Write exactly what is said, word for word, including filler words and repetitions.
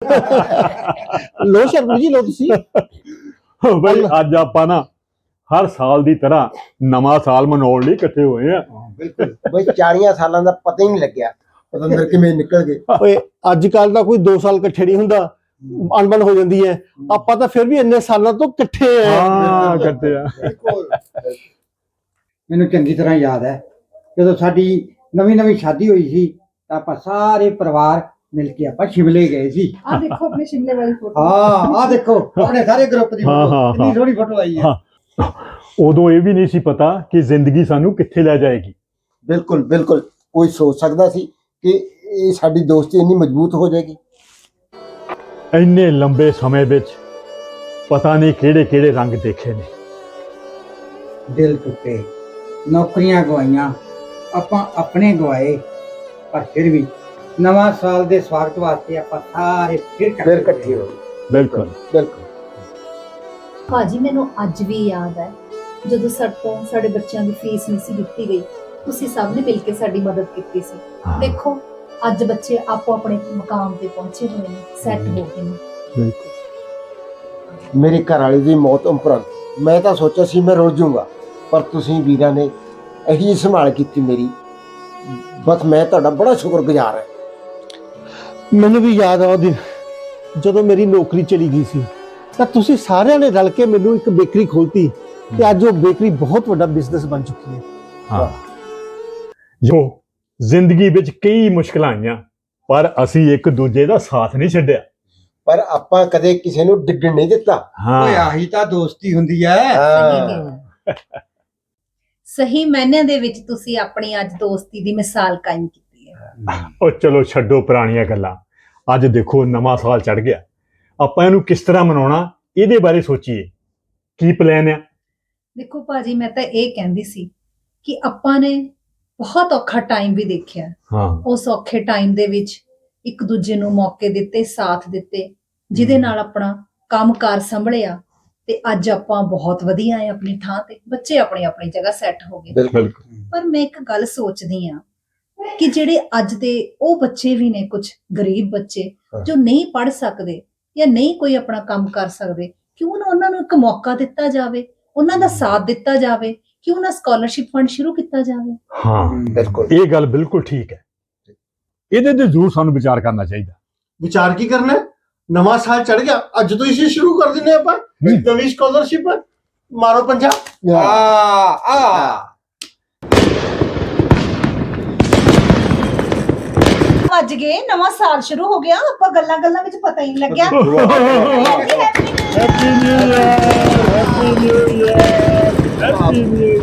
लो शर्मा जी लो तुसी ਬਈ ਅੱਜ ਆਪਾਂ ਨਾ ਹਰ ਸਾਲ ਦੀ ਤਰ੍ਹਾਂ ਨਵਾਂ ਸਾਲ ਮਨਾਉਣ ਲਈ ਇਕੱਠੇ ਹੋਏ ਆ। ਬਿਲਕੁਲ ਬਈ ਚਾਲੀਆਂ ਸਾਲਾਂ ਦਾ ਪਤਾ ਹੀ ਨਹੀਂ ਲੱਗਿਆ ਪਤੰਦਰ ਕਿਵੇਂ ਨਿਕਲ ਗਏ। ओए अजकल दा कोई दो साल इकट्ठे नहीं हुंदा, अनबन हो जाती है। आपां तां फिर भी इन्ने सालों तो इकट्ठे हैं। ਹਾਂ ਇਕੱਠੇ ਆ। ਮੈਨੂੰ ਚੰਗੀ ਤਰ੍ਹਾਂ ਯਾਦ ਹੈ ਜਦੋਂ ਸਾਡੀ ਨਵੀਂ ਨਵੀਂ ਸ਼ਾਦੀ ਹੋਈ ਸੀ ਤਾਂ ਆਪਾਂ ਸਾਰੇ ਪਰਿਵਾਰ ਮਿਲ ਕੇ ਆਪਾਂ ਸ਼ਿਮਲੇ ਗਏ ਸੀ। ਆ ਦੇਖੋ ਆਪਣੀ ਸ਼ਿਮਲੇ ਵਾਲੀ ਫੋਟੋ। ਹਾਂ ਆਹ ਦੇਖੋ ਆਪਣੇ ਸਾਰੇ ਗਰੁੱਪ ਦੀ ਹਾਂ, ਫੋਟੋ ਹਾਂ, ਕਿੰਨੀ ਹਾਂ। ਸੋਹਣੀ ਫੋਟੋ ਆਈ ਹੈ। ਹਾਂ। ਉਦੋਂ ਇਹ ਵੀ ਨਹੀਂ ਸੀ ਪਤਾ ਕਿ ਜ਼ਿੰਦਗੀ ਸਾਨੂੰ ਕਿੱਥੇ ਲੈ ਜਾਏਗੀ। ਬਿਲਕੁਲ ਬਿਲकुल ਕੋਈ ਸੋਚ ਸਕਦਾ ਸੀ ਕਿ ਇਹ ਸਾਡੀ ਦੋਸਤੀ ਇੰਨੀ ਮਜ਼ਬੂਤ ਹੋ ਜਾਏਗੀ। ਇੰਨੇ ਲੰਬੇ ਸਮੇਂ ਵਿੱਚ ਪਤਾ ਨਹੀਂ ਕਿਹੜੇ ਕਿਹੜੇ ਰੰਗ ਦੇਖੇ ਨੇ। ਦਿਲ ਟੁੱਟੇ, ਨੌਕਰੀਆਂ ਗਵਾਈਆਂ, ਆਪਾਂ ਆਪਣੇ ਗਵਾਏ, ਪਰ ਫਿਰ ਵੀ ਨਵਾਂ ਸਾਲ ਦੇ ਸਵਾਗਤ ਵਾਸਤੇ ਆਪਾਂ ਸਾਰੇ ਫਿਰ ਫਿਰ ਇਕੱਠੇ ਹੋ ਬਿਲਕੁਲ ਬਿਲਕੁਲ ਭਾਜੀ ਮੈਨੂੰ ਅੱਜ ਵੀ ਯਾਦ ਹੈ ਜਦੋਂ ਸਾਡੇ ਤੋਂ ਸਾਡੇ ਬੱਚਿਆਂ ਦੀ ਫੀਸ ਨਹੀਂ ਸੀ ਦਿੱਤੀ ਗਈ, ਤੁਸੀਂ ਸਭ ਨੇ ਮਿਲ ਕੇ ਸਾਡੀ ਮਦਦ ਕੀਤੀ ਸੀ। ਹਾਂ। ਦੇਖੋ ਅੱਜ ਬੱਚੇ ਆਪੋ ਆਪਣੇ ਮੁਕਾਮ ਤੇ ਪਹੁੰਚੇ ਹੋਏ ਨੇ, ਸੈੱਟ ਹੋ ਗਏ ਨੇ। ਬਿਲਕੁਲ ਮੇਰੀ ਘਰ ਵਾਲੀ ਦੀ ਮੌਤ ਉਪਰੰਤ ਮੈਂ ਤਾਂ ਸੋਚਿਆ ਸੀ ਮੈਂ ਰੁੱਝ ਜਾਊਂਗਾ, ਪਰ ਤੁਸੀਂ ਵੀਰਾਂ ਨੇ ਇਹੀ ਸੰਭਾਲ ਕੀਤੀ ਮੇਰੀ। ਬਸ ਮੈਂ ਤੁਹਾਡਾ ਬੜਾ ਸ਼ੁਕਰਗੁਜ਼ਾਰ ਹਾਂ। ਮੈਨੂੰ ਵੀ ਯਾਦ ਆ ਉਹ ਦਿਨ ਜਦੋਂ ਮੇਰੀ ਨੌਕਰੀ ਚਲੀ ਗਈ ਸੀ ਤਾਂ ਤੁਸੀਂ ਸਾਰਿਆਂ ਨੇ ਰਲ ਕੇ ਮੈਨੂੰ ਇੱਕ ਬੇਕਰੀ ਖੋਲਤੀ ਤੇ ਅੱਜ ਉਹ ਬੇਕਰੀ ਬਹੁਤ ਵੱਡਾ ਬਿਜ਼ਨਸ ਬਣ ਚੁੱਕੀ ਹੈ। ਹਾਂ। ਜੋ ਜ਼ਿੰਦਗੀ ਵਿੱਚ ਕਈ ਮੁਸ਼ਕਲਾਂ ਆਈਆਂ ਪਰ ਅਸੀਂ ਇੱਕ ਦੂਜੇ ਦਾ ਸਾਥ ਨਹੀਂ ਛੱਡਿਆ। ਪਰ ਆਪਾਂ ਕਦੇ ਕਿਸੇ ਨੂੰ ਡਿੱਗਣ ਨਹੀਂ ਦਿੱਤਾ। ਓਏ ਹਾਂ ਆਹੀ ਤਾਂ ਦੋਸਤੀ ਹੁੰਦੀ ਹੈ। ਹਾਂ। ਸਹੀ ਮਾਇਨਿਆਂ ਦੇ ਵਿੱਚ ਤੁਸੀਂ ਆਪਣੀ ਅੱਜ ਦੋਸਤੀ ਦੀ ਮਿਸਾਲ ਕਾਇਮ ਕੀਤੀ ਹੈ। ਉਹ ਚਲੋ ਛੱਡੋ ਪੁਰਾਣੀਆਂ ਗੱਲਾਂ। ਅੱਜ ਦੇਖੋ ਨਵਾਂ ਸਾਲ ਚੜ ਗਿਆ, ਆਪਾਂ ਇਹਨੂੰ ਕਿਸ ਤਰ੍ਹਾਂ ਮਨਾਉਣਾ ਇਹਦੇ ਬਾਰੇ ਸੋਚੀਏ। ਕੀ ਪਲਾਨ ਆ? ਦੇਖੋ ਭਾਜੀ ਮੈਂ ਤਾਂ ਇਹ ਕਹਿੰਦੀ ਸੀ ਕਿ ਆਪਾਂ ਨੇ ਬਹੁਤ ਔਖਾ ਟਾਈਮ ਵੀ ਦੇਖਿਆ। ਹਾਂ ਉਸ ਔਖੇ ਟਾਈਮ ਦੇ ਵਿੱਚ ਇੱਕ ਦੂਜੇ ਨੂੰ ਮੌਕੇ ਦਿੱਤੇ, ਸਾਥ ਦਿੱਤੇ, ਜਿਹਦੇ ਨਾਲ ਆਪਣਾ ਕੰਮਕਾਰ ਸੰਭਲਿਆ ਤੇ ਅੱਜ ਆਪਾਂ ਬਹੁਤ ਵਧੀਆ ਆ ਆਪਣੀ ਥਾਂ ਤੇ। ਬੱਚੇ ਆਪਣੀ ਆਪਣੀ ਜਗ੍ਹਾ ਸੈੱਟ ਹੋ ਗਏ। ਬਿਲਕੁਲ ਪਰ ਮੈਂ ਇੱਕ ਗੱਲ ਸੋਚਦੀ ਆ ਕਿ ਜਿਹੜੇ ਅੱਜ ਦੇ ਉਹ ਬੱਚੇ ਵੀ ਨੇ, ਕੁਝ ਗਰੀਬ ਬੱਚੇ ਜੋ ਨਹੀਂ ਪੜ੍ਹ ਸਕਦੇ ਜਾਂ ਨਹੀਂ ਕੋਈ ਆਪਣਾ ਕੰਮ ਕਰ ਸਕਦੇ, ਕਿਉਂ ਨਾ ਉਹਨਾਂ ਨੂੰ ਇੱਕ ਮੌਕਾ ਦਿੱਤਾ ਜਾਵੇ, ਉਹਨਾਂ ਦਾ ਸਾਥ ਦਿੱਤਾ ਜਾਵੇ, ਕਿਉਂ ਨਾ ਸਕਾਲਰਸ਼ਿਪ ਫੰਡ ਸ਼ੁਰੂ ਕੀਤਾ ਜਾਵੇ। ਹਾਂ ਬਿਲਕੁਲ ਇਹ ਗੱਲ ਬਿਲਕੁਲ ਠੀਕ ਹੈ। ਇਹਦੇ ਤੇ ਜ਼ਰੂਰ ਸਾਨੂੰ ਵਿਚਾਰ ਕਰਨਾ ਚਾਹੀਦਾ। ਵਿਚਾਰ ਕੀ ਕਰਨਾ? ਨਵਾਂ ਸਾਲ ਚੜ ਗਿਆ, ਅੱਜ ਤੋਂ ਇਸੇ ਸ਼ੁਰੂ ਕਰ ਦਿੰਦੇ ਆਪਾਂ ਨਵੀਂ ਸਕਾਲਰਸ਼ਿਪ। ਮਾਰੋ ਪੰਜਾ। ਆ ਆ ਅੱਜ ਗਏ, ਨਵਾਂ ਸਾਲ ਸ਼ੁਰੂ ਹੋ ਗਿਆ, ਆਪਾਂ ਗੱਲਾਂ ਗੱਲਾਂ ਵਿੱਚ ਪਤਾ ਹੀ ਨਹੀਂ ਲੱਗਿਆ। Happy new year, happy new year, happy new year.